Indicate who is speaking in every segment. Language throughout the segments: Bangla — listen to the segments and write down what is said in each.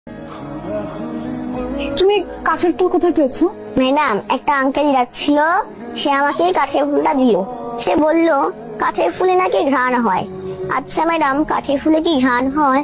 Speaker 1: তুমি কাঠের ফুল কোথায় পেয়েছো?
Speaker 2: ম্যাডাম, একটা আঙ্কেল যাচ্ছিল, সে আমাকে কাঠের ফুলটা দিল। সে বলল কাঠের ফুলে নাকি ঘ্রাণ হয়। আচ্ছা ম্যাডাম, কাঠের ফুলে কি ঘ্রাণ হয়?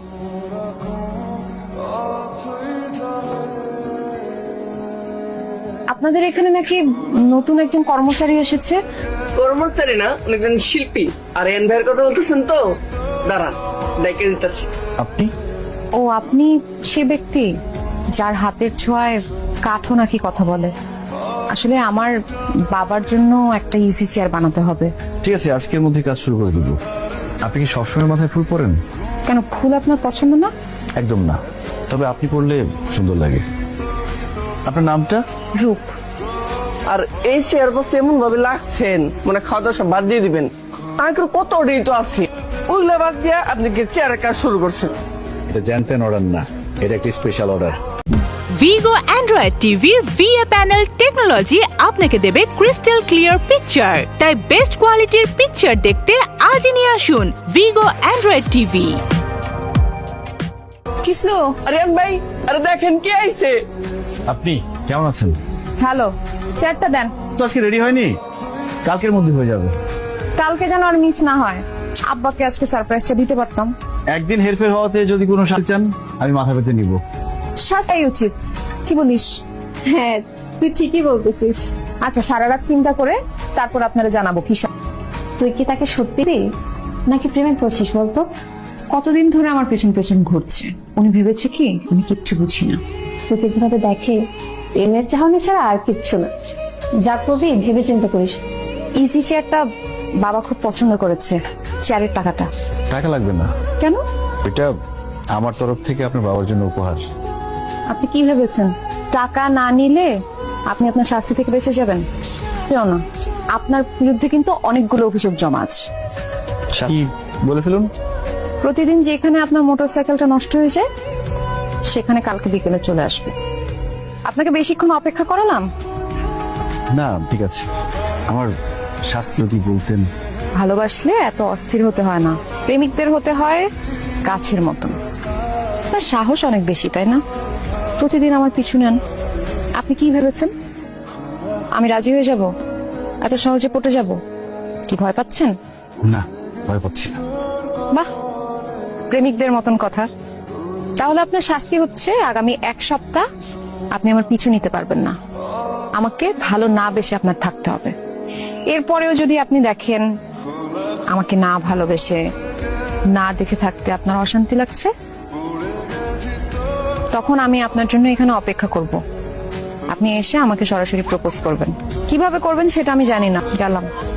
Speaker 1: আপনাদের এখানে নাকি নতুন একজন কর্মচারী এসেছে।
Speaker 3: কর্মচারী না, একজন শিল্পী। আর এন ভাইয়ের কথা বলতেছেন তো? দাঁড়ান, ডেকে দিতেছি।
Speaker 4: আপনি?
Speaker 1: ও, আপনি সে ব্যক্তি যার হাতের ছোঁয়ায় কাঠও নাকি কথা বলে। আসলে আমার বাবার জন্য একটা ইজি চেয়ার বানাতে হবে।
Speaker 4: ঠিক আছে, আজকের মধ্যে কাজ শুরু করে দিব। আপনি কি সবসময় মাথায় ফুল পরেন?
Speaker 1: কেন, ফুল আপনার পছন্দ না?
Speaker 4: একদম না, তবে আপনি পরলে সুন্দর লাগে। আপনার নামটা?
Speaker 1: রূপ।
Speaker 3: আর এই চেয়ার বসে এমন ভাবে লাগছেন মানে খাওয়া দাওয়া সব বাদ দিয়ে দিবেন। আঙ্কেল কত অর্ডারই তো আছে, ওইগুলো বাদ দিয়ে আপনি কি চেয়ারের কাজ শুরু করছেন?
Speaker 4: এটা জানতেন অর্ডার না, এটা একটা স্পেশাল অর্ডার।
Speaker 5: ভিগো অ্যান্ড্রয়েড টিভির ভিএ প্যানেল টেকনোলজি আপনাকে দেবে ক্রিস্টাল ক্লিয়ার পিকচার। তাই বেস্ট কোয়ালিটির পিকচার দেখতে আজই নিয়ে আসুন ভিগো অ্যান্ড্রয়েড টিভি।
Speaker 1: কিসলো?
Speaker 3: আরে ভাই, আরে দেখেন কে আইছে।
Speaker 4: আপনি কেমন আছেন?
Speaker 1: হ্যালো, চেয়ারটা দেন।
Speaker 4: তো আজকে রেডি হয়নি, কালকের মধ্যে হয়ে যাবে।
Speaker 1: কালকে যেন আর মিস না হয়। আব্বাকে আজকে সারপ্রাইজটা দিতে পারতাম।
Speaker 4: একদিন হেরফের হওয়াতে যদি কোনো সাথে চান, আমি মাথা পেতে নিব।
Speaker 1: শাস্তাই উচিত, কি বলিস? হ্যাঁ, তুই ঠিকই বলতেছিস। আচ্ছা, সারা রাত চিন্তা করে তারপর আপনারা জানাবো কি।
Speaker 6: তুই কি তাকে সত্যি নাকি প্রেমে পড়ছিস বলতো?
Speaker 1: কতদিন ধরে আমার পেছন পেছন ঘুরছে। উনি ভেবেছে কি আমি কিচ্ছু বুঝি না।
Speaker 6: তোকে যেভাবে দেখে প্রেমের চাহনি ছাড়া আর কিচ্ছু না। যা করবি ভেবে চিন্তা করিস।
Speaker 1: ইজি চেয়ারটা বাবা খুব পছন্দ করেছে। চেয়ারের টাকাটা?
Speaker 4: টাকা লাগবে না।
Speaker 1: কেন?
Speaker 4: এটা আমার তরফ থেকে আপনার বাবার জন্য উপহার।
Speaker 1: আপনি কি ভেবেছেন টাকা না নিলে আপনি আপনার শাস্তি থেকে বেঁচে যাবেন? কেউ না, আপনার বিরুদ্ধে কিন্তু অনেকগুলো অভিযোগ জমা আছে।
Speaker 4: কি বলে ফেলুন।
Speaker 1: প্রতিদিন যেখানে আপনার মোটরসাইকেলটা নষ্ট হয়ে যায় সেখানে কালকে বিকেলে চলে আসবে। আপনাকে বেশিক্ষণ অপেক্ষা করালাম?
Speaker 4: না, ঠিক আছে। আমার শাস্তি যদি বলতেন।
Speaker 1: ভালোবাসলে এত অস্থির হতে হয় না, প্রেমিকদের হতে হয় গাছের মতন। তার সাহস অনেক বেশি, তাই না? প্রতিদিন আমার পিছু নেন। আপনি কি ভেবেছেন আমি রাজি হয়ে যাব? এত সহজে পটে যাব? কি ভয় পাচ্ছেন?
Speaker 4: না, ভয় পাচ্ছি না।
Speaker 1: বাহ, প্রেমিকদের মতন কথা। তাহলে আপনার শাস্তি হচ্ছে আগামী এক সপ্তাহ আপনি আমার পিছু নিতে পারবেন না। আমাকে ভালো না বেশে আপনার থাকতে হবে। এরপরেও যদি আপনি দেখেন আমাকে না ভালোবেসে না দেখে থাকতে আপনার অশান্তি লাগছে, তখন আমি আপনার জন্য এখানে অপেক্ষা করব। আপনি এসে আমাকে সরাসরি প্রপোজ করবেন। কিভাবে করবেন সেটা আমি জানি না। গেলাম।